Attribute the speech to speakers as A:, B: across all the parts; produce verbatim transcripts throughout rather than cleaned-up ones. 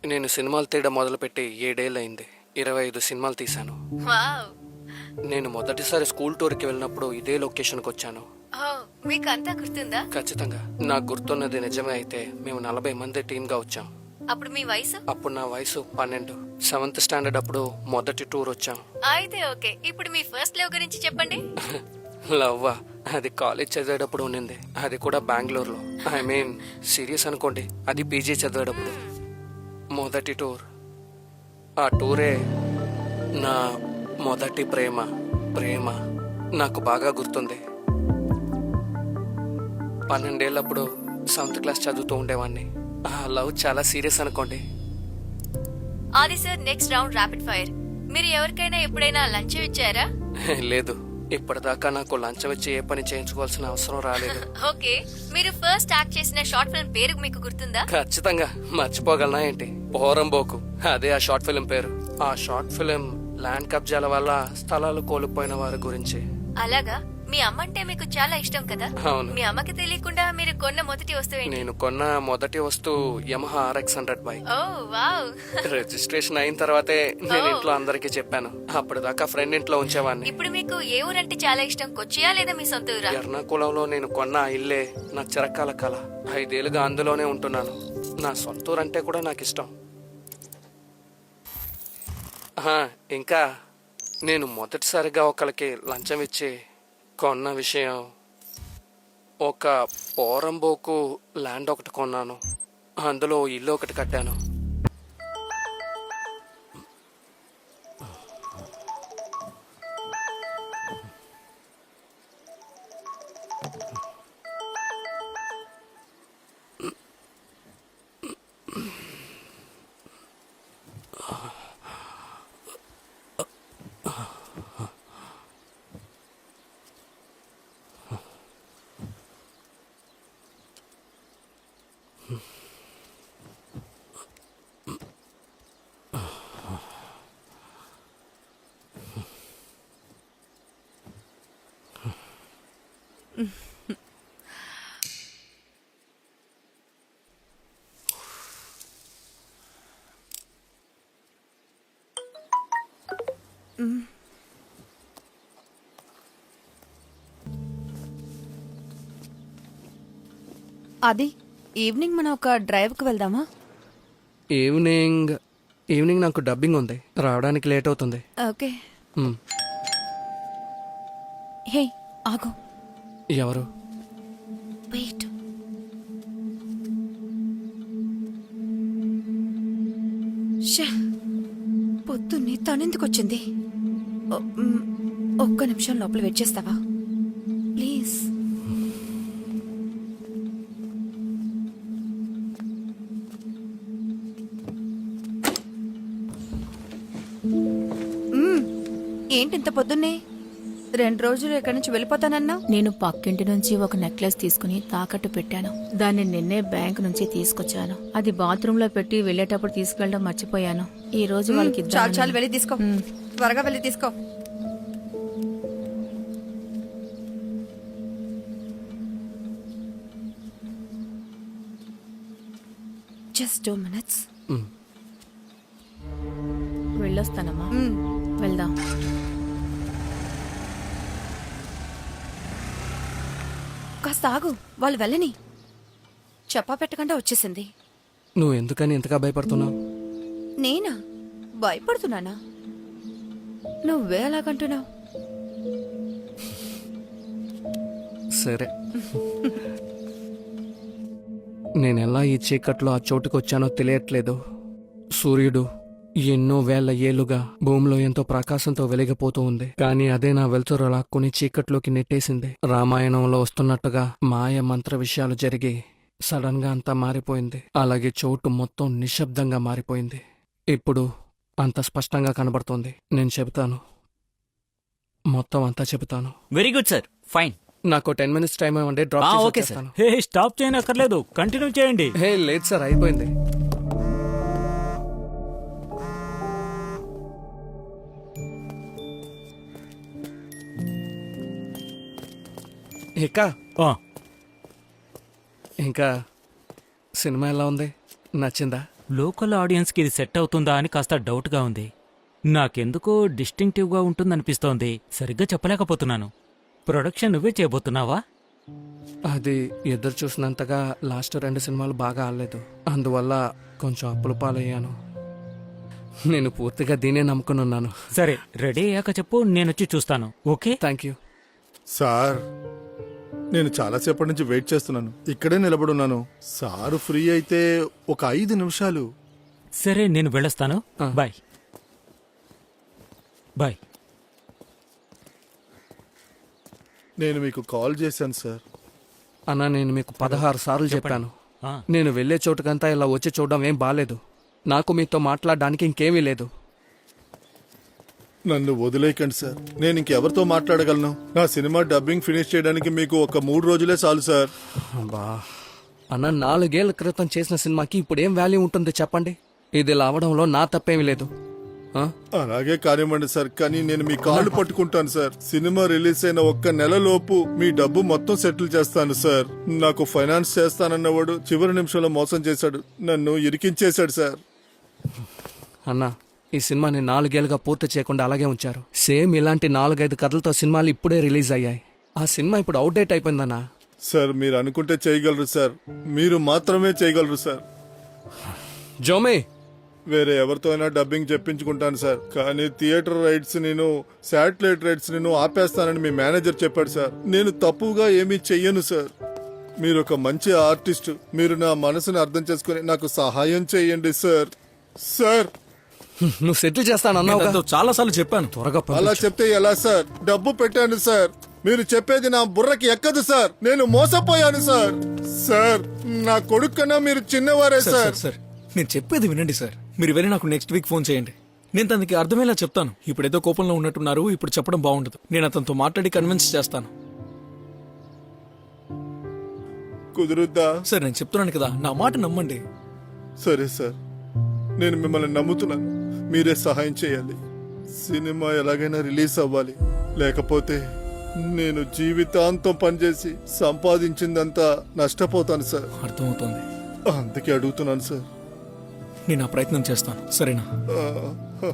A: నేను సినిమాలు తీయడం మొదలుపెట్టి ఏడేళ్ళయింది. ఇరవై ఐదు సినిమాలు తీశాను.
B: వావ్.
A: నేను మొదటిసారి స్కూల్ టూర్కి వెళ్ళినప్పుడు ఇదే లొకేషన్కి వచ్చాను.
B: ఓ, మీకు అంతా గుర్తుందా?
A: ఖచ్చితంగా నాకు గుర్తున్నది నిజమే. అయితే మేము నలభై మంది టీమ్గా వచ్చాం.
B: అప్పుడు మీ వయసు?
A: అప్పుడు నా వయసు పన్నెండు. సెవెంత్ స్టాండర్డ్ అప్పుడు మొదటి టూర్ వచ్చాం.
B: అయితే ఓకే, ఇప్పుడు మీ ఫస్ట్ లవ్ గురించి చెప్పండి.
A: లవ్వా? అది కాలేజ్ చదివేటప్పుడు ఉండింది. అది కూడా బెంగళూరులో. ఐ మీన్ సీరియస్ అనుకోండి, అది పీజీ చదివేటప్పుడు. మొదటి టూర్. ఆ టూరే నా మొదటి ప్రేమ. ప్రేమ నాకు బాగా గుర్తుంది. పన్నెండేళ్ళప్పుడు సెవెంత్ క్లాస్ చదువుతూ ఉండేవాడిని. ఆ లవ్ చాలా సీరియస్ అనుకోండి.
B: Aadi sir, next round rapid fire. మీరు ఎవరికైనా ఎప్పుడైనా లంచం ఇచ్చారా?
A: లేదు, ఇప్పటిదాకా నాకు లంచం ఇచ్చి ఏ పని చేయించుకోవాల్సిన అవసరం రాలేదు.
B: ఓకే, మీరు ఫస్ట్ యాక్ట్ చేసిన షార్ట్ ఫిల్మ్ పేరు మీకు గుర్తుందా?
A: ఖచ్చితంగా, మర్చిపోగలనా ఏంటి? పోరంబోకు, అదే ఆ షార్ట్ ఫిల్మ్ పేరు. ఆ షార్ట్ ఫిల్మ్ ల్యాండ్ కబ్జాల వల్ల స్థలాలు కోల్పోయిన వారి గురించి.
B: అలాగా? మీ అమ్మ అంటే మీకు చాలా ఇష్టం కదా?
A: అవును.
B: మీ అమ్మకి తెలియకుండా మీరు కొన్న మొదటి వస్తువు ఏంటి?
A: నేను కొన్న మొదటి వస్తువు Yamaha RX hundred bike.
B: Oh wow.
A: Registration అయిన తర్వాతే నేను ఇంట్లో అందరికీ చెప్పాను. అప్పటిదాకా ఫ్రెండ్ ఇంట్లో ఉంచేవాడిని.
B: ఇప్పుడు మీకు ఏ ఊరంటే చాలా ఇష్టం? కొచ్చియా లేదా మీ సొంత ఊరా?
A: ఎర్నాకుళంలో నేను కొన్న ఆ ఇల్లే నా చిరకాల కళ. ఐదేళ్లుగా అందులోనే ఉంటున్నాను. నా సొంత ఊరు అంటే కూడా నాకు ఇష్టం. ఆహా, ఇంకా నేను మొదటిసారిగా ఒకరికి లంచం ఇచ్చి కొన్న విషయం, ఒక పోరంబోకు ల్యాండ్ ఒకటి కొన్నాను. అందులో ఇల్లు ఒకటి కట్టాను.
C: అది ఈవినింగ్ మనం ఒక డ్రైవ్కి వెళ్దామా?
A: ఈవినింగ్ ఈవినింగ్ నాకు డబ్బింగ్ ఉంది, రావడానికి లేట్ అవుతుంది.
C: ఓకే.
A: మ్,
C: హే ఆగు,
A: ఎవరు?
C: వెయిట్. షే, పొద్దున్నే తనెందుకు వచ్చింది? ఒ- మ్, ఒక్క నిమిషం లోపల వెయిట్ చేస్తావా ప్లీజ్? ఏంటి ఇంత పొద్దున్నే? రెండు రోజులు ఇక్కడి నుంచి వెళ్ళిపోతానన్నా.
D: నేను పక్కింటి నుంచి ఒక నెక్లెస్ తీసుకుని తాకట్టు పెట్టాను. దాన్ని నిన్నే బ్యాంక్ నుంచి తీసుకొచ్చాను. అది బాత్రూమ్ లో పెట్టి వెళ్ళేటప్పుడు తీసుకెళ్ళడం మర్చిపోయాను. ఈ రోజు వాళ్ళకి
C: చాలు
D: ఇద్దామని-
C: చాలు, వెళ్ళి తీసుకో.
D: మ్.
C: త్వరగా వెళ్ళి తీసుకో. Just two minutes.
A: మ్,
D: వెళ్ళొస్తానమ్మా. వెళ్దాం.
C: కాస్త ఆగు, వాళ్ళు వెళ్ళని. చెప్పా పెట్టకుండా వచ్చేసింది.
A: నువ్వు ఎందుకని ఎంతగా భయపడుతున్నావు?
C: నేనా భయపడుతున్నానా? నువ్వే అలాగంటున్నావు.
A: సరే, నేనెలా ఈ చీకట్లో ఆ చోటుకు వచ్చానో తెలియట్లేదు. సూర్యుడు ఎన్నో వేల ఏళ్లుగా భూమిలో ఎంతో ప్రకాశంతో వెలిగిపోతూ ఉంది. కానీ అదే నా వెలుతురు లాక్కుని చీకట్లోకి నెట్టేసింది. రామాయణంలో వస్తున్నట్టుగా మాయ మంత్ర విషయాలు జరిగి సడన్ గా అంతా మారిపోయింది. అలాగే చోటు మొత్తం నిశ్శబ్దంగా మారిపోయింది. ఇప్పుడు అంత స్పష్టంగా కనబడుతోంది. నేను చెబుతాను, మొత్తం అంతా చెబుతాను.
E: Very good sir, fine.
A: నాకు టెన్ మినిట్స్ టైం ఇవ్వండి, డ్రాప్ చేసి
E: ఓకే సార్.
A: వచ్చేస్తాను.
F: హే స్టాప్ చేయనక్కర్లేదు, కంటిన్యూ చేయండి.
A: హే లేదు సార్, అయిపోయింది. ఇక
F: ఆ,
A: ఇంకా సినిమా ఎలా ఉంది? నచ్చిందా?
F: లోకల్ ఆడియన్స్కి ఇది సెట్ అవుతుందా అని కాస్త డౌట్గా ఉంది. నాకెందుకో డిస్టింక్టివ్గా ఉంటుందనిపిస్తోంది. సరిగ్గా చెప్పలేకపోతున్నాను. ప్రొడక్షన్ నువ్వే చేయబోతున్నావా?
A: అది ఎదురు చూసినంతగా లాస్ట్ రెండు సినిమాలు బాగా ఆడలేదు. అందువల్ల కొంచెం అప్పుల పాలయ్యాను. నేను పూర్తిగా దీనే నమ్ముకుని ఉన్నాను.
F: సరే, రెడీ అయ్యాక చెప్పు, నేనొచ్చి చూస్తాను. ఓకే?
A: Thank you.
E: సార్ నేను చాలాసేపటి నుంచి వెయిట్ చేస్తున్నాను. ఇక్కడే నిలబడున్నాను. సారు ఫ్రీ అయితే ఒక ఐదు నిమిషాలు.
F: సరే, నేను వెళ్ళొస్తాను.
A: ఆ.
F: Bye bye.
E: నేను మీకు కాల్ చేశాను సార్.
A: అన్నా, నేను మీకు పదహారు సార్లు చెప్పాను.
F: ఆ,
A: నేను వెళ్ళే చోటుకంతా ఇలా వచ్చి చూడడం ఏం బాలేదు. నాకు మీతో మాట్లాడడానికి ఇంకేమీ లేదు.
E: నన్ను వదిలేయకండి సార్. నేను ఇంకెవరితో మాట్లాడగలను? నా సినిమా డబ్బింగ్ ఫినిష్ చేయడానికి మీకు ఒక మూడు రోజులే చాలు సార్.
A: బా అన్న, నాలుగేళ్ల క్రితం చేసిన సినిమాకి ఇప్పుడు ఏం వాల్యూ ఉంటుంది చెప్పండి? ఇది ఇలా అవడంలో నా తప్పేమీ లేదు. ఆ?
E: అలాగే కానివ్వండి సార్, కానీ నేను మీ కాళ్ళు పట్టుకుంటాను సార్. సినిమా రిలీజ్ అయిన ఒక్క నెల లోపు మీ డబ్బు మొత్తం సెటిల్ చేస్తాను సార్. నాకు ఫైనాన్స్ చేస్తానన్నవాడు చివరి నిమిషంలో మోసం చేశాడు, నన్ను ఇరికించేశాడు సార్.
A: అన్నా, ఈ సినిమాని నాలుగేళ్లుగా పూర్తి చేయకుండా అలాగే ఉంచారు. సేమ్ ఇలాంటి నాలుగైదు కథలతో సినిమాలు ఇప్పుడే రిలీజ్ అయ్యాయి. ఆ సినిమా ఇప్పుడు అవుట్డేట్ అయిపోయిందన్నా.
E: సార్ మీరు అనుకుంటే చేయగలరు సార్. మీరు మాత్రమే చేయగలరు సార్.
A: జోమే,
E: వేరే ఎవరితో అయినా డబ్బింగ్ చెప్పించుకుంటాను సార్, కానీ థియేటర్ రైట్స్ నేను శాటిలైట్ రైట్స్ నేను ఆపేస్తానని మీ మేనేజర్ చెప్పాడు సార్. నేను తప్పుగా ఏమీ చెయ్యను సార్. మీరు ఒక మంచి ఆర్టిస్ట్. మీరు నా మనసుని అర్థం చేసుకుని నాకు సహాయం చేయండి సార్. సార్
A: నువ్వు సెటిల్ చేస్తానన్నావు.
G: చాలా సార్లు చెప్పాను.
A: త్వరగా
E: అలా
A: పంపించు.
E: చెప్తే ఎలా సార్? డబ్బు పెట్టాను సార్. మీరు చెప్పేది నా బుర్రకి ఎక్కదు సార్. నేను మోసపోయాను సార్. సార్ నా కొడుకు కన్నా మీరు చిన్నవారే
G: సార్,
E: సార్.
G: సార్, సార్, నేను చెప్పేది వినండి సార్. మీరు వెళ్ళి నాకు నెక్స్ట్ వీక్ ఫోన్ చేయండి. నేను తనకి అర్థమయ్యేలా చెప్తాను. ఇప్పుడేదో కోపంలో ఉన్నట్టున్నారు, ఇప్పుడు చెప్పడం బాగుండదు. నేను అతనితో మాట్లాడి కన్విన్స్ చేస్తాను.
E: కుదురుద్దా?
G: సార్ నేను చెప్తున్నాను కదా, నా మాట నమ్మండి.
E: సరే సార్, నేను మిమ్మల్ని నమ్ముతున్నాను. మీరే సహాయం చేయాలి. సినిమా ఎలాగైనా రిలీజ్ అవ్వాలి, లేకపోతే నేను జీవితాంతం పనిచేసి సంపాదించిందంతా నష్టపోతాను సార్.
G: అర్థమవుతుంది.
E: అందుకే అడుగుతున్నాను సార్.
G: నేను ఆ ప్రయత్నం చేస్తాను, సరేనా?
E: ఆ,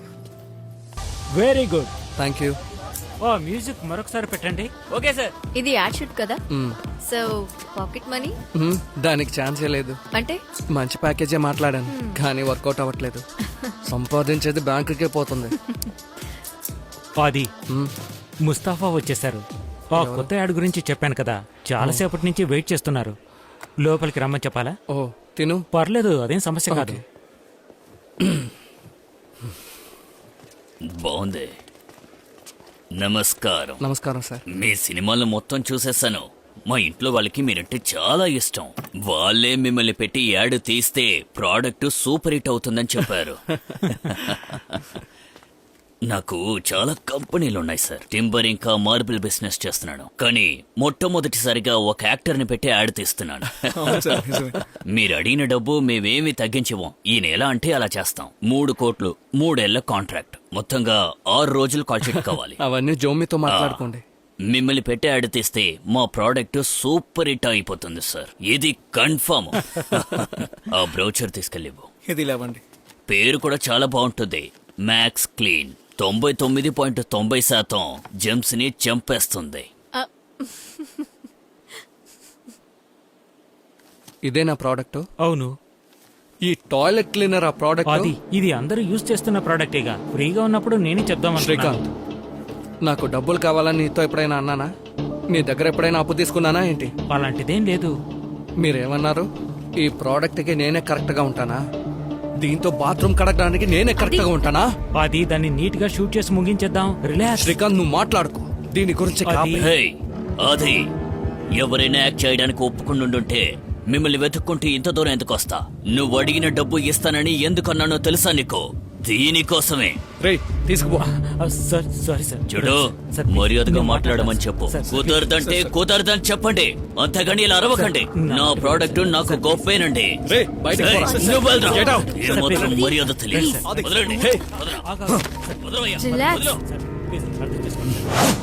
F: వెరీ గుడ్.
A: Thank you.
F: ఓ, మ్యూజిక్ మరొకసారి పెట్టండి. Okay sir.
B: ఇది యాడ్ షూట్ కదా,
A: మ్,
B: సో పాకెట్ మనీ
A: మ్, దానికి ఛాన్సే లేదు.
B: అంటే
A: మంచి ప్యాకేజే మాట్లాడాను, కానీ వర్కౌట్ అవ్వట్లేదు. సంపాదించేది బ్యాంకుకే పోతుంది.
F: అది
A: మ్,
F: ముస్తాఫా వచ్చేశారు. ఆ కొత్త యాడ్ గురించి చెప్పాను కదా, చాలాసేపటి నుంచి వెయిట్ చేస్తున్నారు. లోపలికి రమ్మని చెప్పాలా?
A: ఓ తిను.
F: పర్లేదు, అదేం సమస్య కాదు.
H: బాగుంది. నమస్కారం.
A: నమస్కారం సార్.
H: మీ సినిమాలు మొత్తం చూసేశాను. మా ఇంట్లో వాళ్ళకి మీరంటే చాలా ఇష్టం. వాళ్ళే మిమ్మల్ని పెట్టి యాడ్ తీస్తే ప్రోడక్ట్ సూపర్ హిట్ అవుతుందని చెప్పారు. నాకు చాలా కంపెనీలు ఉన్నాయి సార్. టింబర్ ఇంకా మార్బుల్ బిజినెస్ చేస్తున్నాను, కానీ మొట్టమొదటిసారిగా ఒక యాక్టర్ ని పెట్టి యాడ్ తీస్తున్నాను.
G: అవును సార్, నిజమే.
H: మీరు అడిగిన డబ్బు మేమేమి తగ్గించవం. ఈ నెల అంటే అలా చేస్తాం. మూడు కోట్లు, మూడేళ్ల కాంట్రాక్ట్, మొత్తంగా ఆరు రోజులు కాల్ షీట్ కావాలి.
A: అవన్నీ జోమితో మాట్లాడుకోండి.
H: మిమ్మల్ని పెట్టి యాడ్ తీస్తే మా ప్రోడక్ట్ సూపర్ హిట్ అయిపోతుంది సార్. ఇది కన్ఫర్మ్. ఆ బ్రౌచర్ తీసుకెళ్ళివు.
G: ఇది లేవండి.
H: పేరు కూడా చాలా బాగుంటుంది, మ్యాక్స్ క్లీన్. తొంభై తొమ్మిది పాయింట్ తొంభై శాతం జెమ్స్ ని చంపేస్తుంది.
A: ఇదే నా ప్రోడక్ట్.
F: అవును,
A: ఈ టాయిలెట్ క్లీనర్ ఆ ప్రోడక్ట్.
F: అది ఇది అందరూ యూజ్ చేస్తున్న ప్రోడక్టేగా. ఫ్రీగా ఉన్నప్పుడు నేనే చెప్దామని.
A: శ్రీకాంత్, నాకు డబ్బులు కావాలని నీతో ఎప్పుడైనా అన్నానా? నీ దగ్గర ఎప్పుడైనా అప్పు తీసుకున్నానా ఏంటి?
F: అలాంటిదేం లేదు.
A: మీరేమన్నారు? ఈ ప్రోడక్ట్కి నేనే కరెక్ట్గా ఉంటానా? దీంతో బాత్రూమ్ కడగడానికి నేనే కరెక్ట్గా ఉంటానా?
F: అది దాన్ని నీట్ గా షూట్ చేసి ముగించేద్దాం. రిలాక్స్.
A: శ్రీకాంత్, నువ్వు మాట్లాడుకో దీని గురించి.
F: అది-
A: కాపీ.
H: హే, అది ఎవరైనా యాక్ట్ చేయడానికి ఒప్పుకుంటుంటే మిమ్మల్ని వెతుక్కుంటూ ఇంత దూరం ఎందుకు వస్తా? నువ్వు అడిగిన డబ్బు ఇస్తానని ఎందుకన్నానో తెలుసా నీకు? దీనికోసమే.
A: రేయ్, తీసుకుపో.
F: ఆ, సార్ సారీ సార్.
H: చూడు,
F: సార్, ప్లీజ్.
H: మర్యాదగా
F: నేను
H: మాట్లాడమని
F: మాట్లాడతాను.
H: చెప్పు.
F: సార్, సార్,
H: కుదరదంటే కుదరదని చెప్పండి, అంతేగాని ఇలా అరవకండి.
F: నా-
H: నా ప్రోడక్ట్ నాకు గొప్పేనండి.
A: రేయ్, బయటికి
H: ఏయ్,
A: పోరా.
H: నువ్వు వెళ్ళరా.
A: Get out.
H: ఏ మాత్రం మర్యాద తెలియదు.
F: సార్,
H: వదలండి.
F: హే.
H: వదలరా.
F: ఆగు, ఆగు. సార్,
H: వదలవయ్యా.
B: రిలాక్స్.
F: సార్, ప్లీజ్, అర్థం చేసుకోండి.